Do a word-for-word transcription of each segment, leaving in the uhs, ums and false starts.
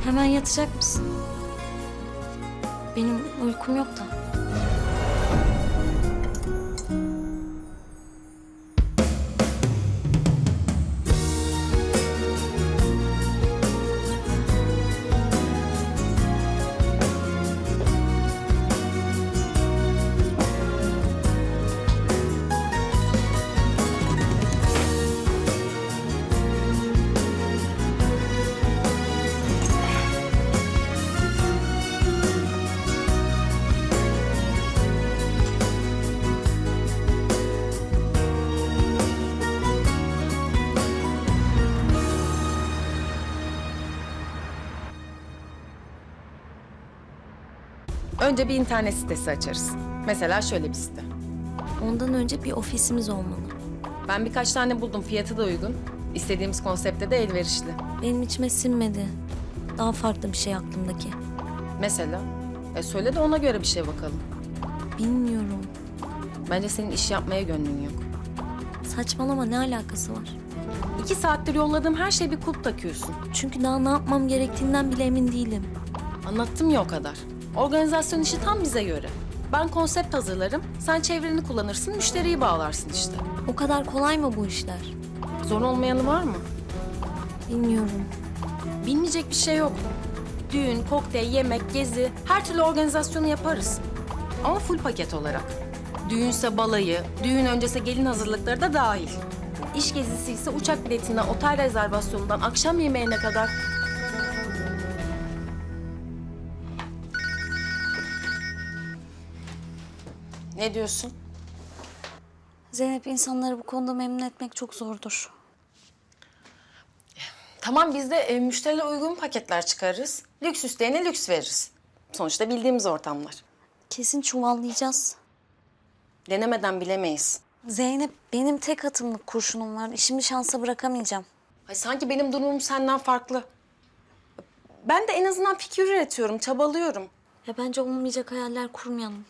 Hemen yatacak mısın? Benim uykum yok da. Önce bir internet sitesi açarız. Mesela şöyle bir site. Ondan önce bir ofisimiz olmalı. Ben birkaç tane buldum, fiyatı da uygun. İstediğimiz konsepte de elverişli. Benim içime sinmedi. Daha farklı bir şey aklımdaki. Mesela, e söyle de ona göre bir şey bakalım. Bilmiyorum. Bence senin iş yapmaya gönlün yok. Saçmalama, ne alakası var? İki saattir yolladığım her şeye bir kulp takıyorsun. Çünkü daha ne yapmam gerektiğinden bile emin değilim. Anlattım ya o kadar. Organizasyon işi tam bize göre. Ben konsept hazırlarım, sen çevreni kullanırsın, müşteriyi bağlarsın işte. O kadar kolay mı bu işler? Zor olmayanı var mı? Bilmiyorum. Bilmeyecek bir şey yok. Düğün, kokteyl, yemek, gezi, her türlü organizasyonu yaparız. Ama full paket olarak. Düğünse balayı, düğün öncesi gelin hazırlıkları da dahil. İş gezisi ise uçak biletinden, otel rezervasyonundan, akşam yemeğine kadar. Ne diyorsun? Zeynep, insanları bu konuda memnun etmek çok zordur. Tamam, biz de e, müşterilere uygun paketler çıkarırız. Lüks isteyene lüks veririz. Sonuçta bildiğimiz ortamlar. Kesin çuvallayacağız. Denemeden bilemeyiz. Zeynep, benim tek atımlık kurşunum var. İşimi şansa bırakamayacağım. Ay, sanki benim durumum senden farklı. Ben de en azından fikir üretiyorum, çabalıyorum. Ya bence olmayacak hayaller kurmayalım.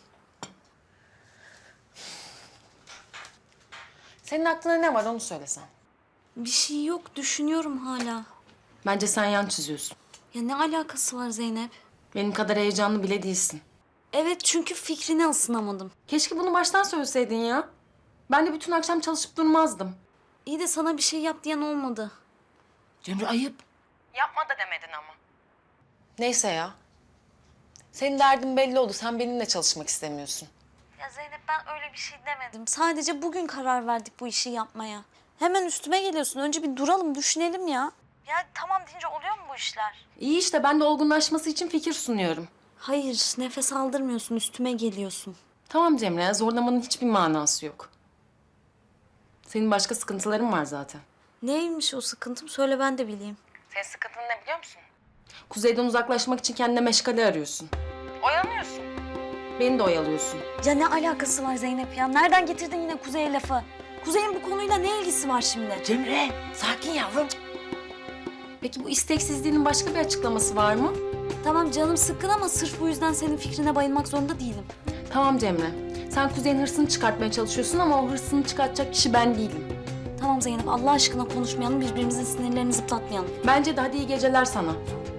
Senin aklına ne var onu söylesen. Bir şey yok, düşünüyorum hala. Bence sen yan çiziyorsun. Ya ne alakası var Zeynep? Benim kadar heyecanlı bile değilsin. Evet, çünkü fikrine ısınamadım. Keşke bunu baştan söyleseydin ya. Ben de bütün akşam çalışıp durmazdım. İyi de sana bir şey yap diyen olmadı. Cemre, ayıp. Yapma da demedin ama. Neyse ya. Senin derdin belli oldu. Sen benimle çalışmak istemiyorsun. Ya Zeynep, ben öyle bir şey demedim. Sadece bugün karar verdik bu işi yapmaya. Hemen üstüme geliyorsun. Önce bir duralım, düşünelim ya. Ya tamam deyince oluyor mu bu işler? İyi işte, ben de olgunlaşması için fikir sunuyorum. Hayır, nefes aldırmıyorsun, üstüme geliyorsun. Tamam Cemre, zorlamanın hiçbir manası yok. Senin başka sıkıntıların var zaten. Neymiş o sıkıntım? Söyle, ben de bileyim. Senin sıkıntın ne biliyor musun? Kuzeyden uzaklaşmak için kendine meşgale arıyorsun. Oyalanıyorsun. Beni de oyalıyorsun. Ya ne alakası var Zeynep ya? Nereden getirdin yine Kuzey'e lafı? Kuzey'in bu konuyla ne ilgisi var şimdi? Cemre, sakin yavrum. Peki bu isteksizliğinin başka bir açıklaması var mı? Tamam, canım sıkkın ama sırf bu yüzden senin fikrine bayılmak zorunda değilim. Tamam Cemre. Sen Kuzey'in hırsını çıkartmaya çalışıyorsun ama o hırsını çıkartacak kişi ben değilim. Tamam Zeynep, Allah aşkına konuşmayalım, birbirimizin sinirlerini zıplatmayalım. Bence de hadi iyi geceler sana.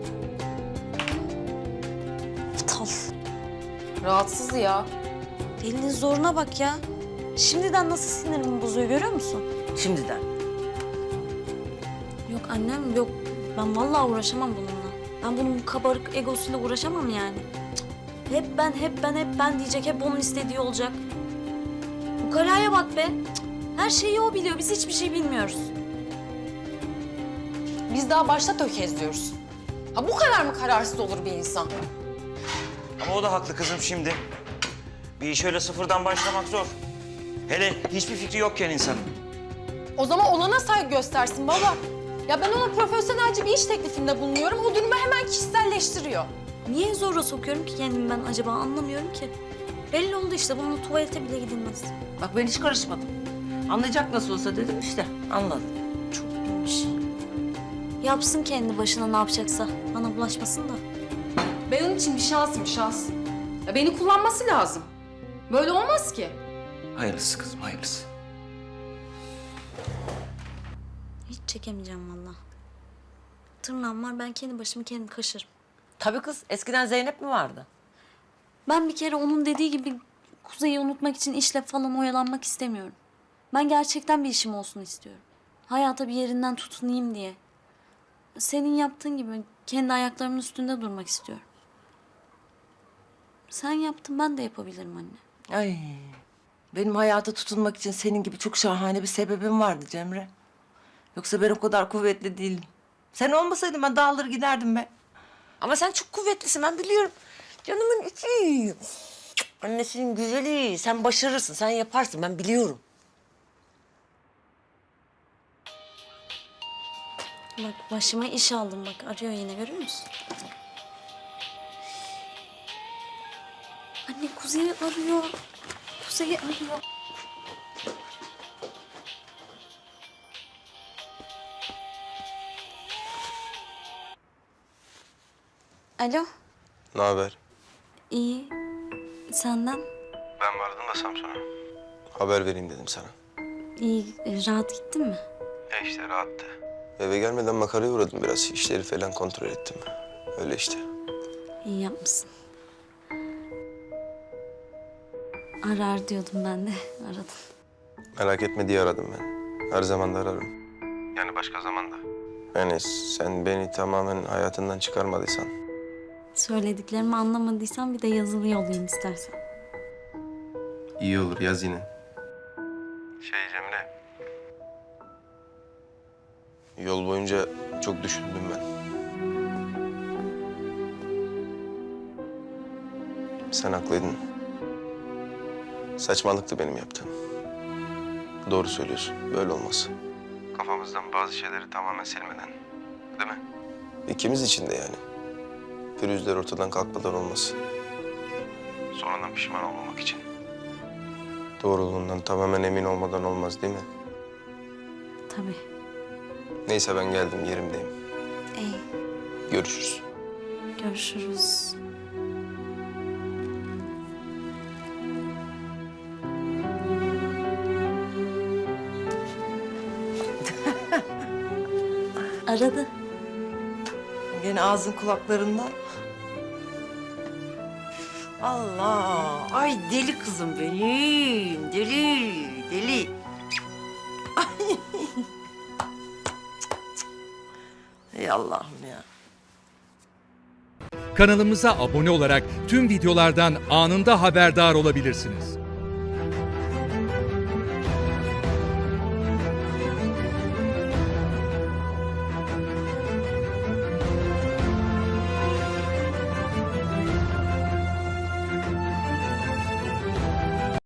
Aptal. Rahatsız ya. Elinin zoruna bak ya. Şimdiden nasıl sinirimi bozuyor, görüyor musun? Şimdiden. Yok annem, yok. Ben vallahi uğraşamam bununla. Ben bunun bu kabarık egosuyla uğraşamam yani. Cık. Hep ben, hep ben, hep ben diyecek. Hep onun istediği olacak. Bu kalaya bak be. Cık. Her şeyi o biliyor. Biz hiçbir şey bilmiyoruz. Biz daha başta tökezliyoruz. Ha bu kadar mı kararsız olur bir insan? Ama o da haklı kızım şimdi. Bir iş öyle sıfırdan başlamak zor. Hele hiçbir fikri yokken insanın. O zaman olana saygı göstersin baba. Ya ben ona profesyonelce bir iş teklifinde bulunuyorum. O durumu hemen kişiselleştiriyor. Niye zorla sokuyorum ki kendimi ben acaba, anlamıyorum ki. Belli oldu işte, bununla tuvalete bile gidilmez. Bak ben hiç karışmadım. Anlayacak nasıl olsa dedim işte. Anladım. Çok bilmiş. Yapsın kendi başına ne yapacaksa. Bana bulaşmasın da. Ben onun için bir şansım şans. Ya beni kullanması lazım. Böyle olmaz ki. Hayırlısı kızım, hayırlısı. Hiç çekemeyeceğim vallahi. tırnağım var. Ben kendi başımı kendim kaşırım. Tabii kız. Eskiden Zeynep mi vardı? Ben bir kere onun dediği gibi Kuzey'i unutmak için işle falan oyalanmak istemiyorum. Ben gerçekten bir işim olsun istiyorum. Hayata bir yerinden tutunayım diye. Senin yaptığın gibi kendi ayaklarımın üstünde durmak istiyorum. Sen yaptın, ben de yapabilirim anne. Ay. Benim hayata tutunmak için senin gibi çok şahane bir sebebim vardı Cemre. Yoksa ben o kadar kuvvetli değilim. Sen olmasaydın ben dağılır giderdim be. Ama sen çok kuvvetlisin, ben biliyorum. Canımın içi. Annesinin güzeli. Sen başarırsın, sen yaparsın. Ben biliyorum. Bak başıma iş aldım bak. Arıyor yine, görüyor musun? Anne Kuzey'i arıyor. Kuzey'i arıyor. Alo. Ne haber? İyi. Senden? Ben vardım da Samsun'a. Haber vereyim dedim sana. İyi. Rahat gittin mi? E işte rahattı. Eve gelmeden makaraya uğradım biraz. İşleri falan kontrol ettim. Öyle işte. İyi yapmışsın. Arar diyordum ben de. Aradın. Merak etme diye aradım ben. Her zaman da ararım. Yani başka zaman da. Yani sen beni tamamen hayatından çıkarmadıysan. Söylediklerimi anlamadıysan bir de yazılı yollayayım istersen. İyi olur, yaz yine. Şey Cemre. Yol boyunca çok düşündüm ben. Sen haklıydın. Saçmalıktı benim yaptığım. Doğru söylüyorsun. Böyle olmaz. Kafamızdan bazı şeyleri tamamen silmeden. Değil mi? İkimiz için de yani. Pürüzler ortadan kalkmadan olmaz. Sonradan pişman olmamak için. Doğruluğundan tamamen emin olmadan olmaz değil mi? Tabii. Neyse ben geldim, yerimdeyim. İyi. Görüşürüz. Görüşürüz. Aradı. Gene ağzın kulaklarında. Allah! Ay deli kızım benim. Deli, deli. Ay. Ey Allah'ım ya. Kanalımıza abone olarak tüm videolardan anında haberdar olabilirsiniz.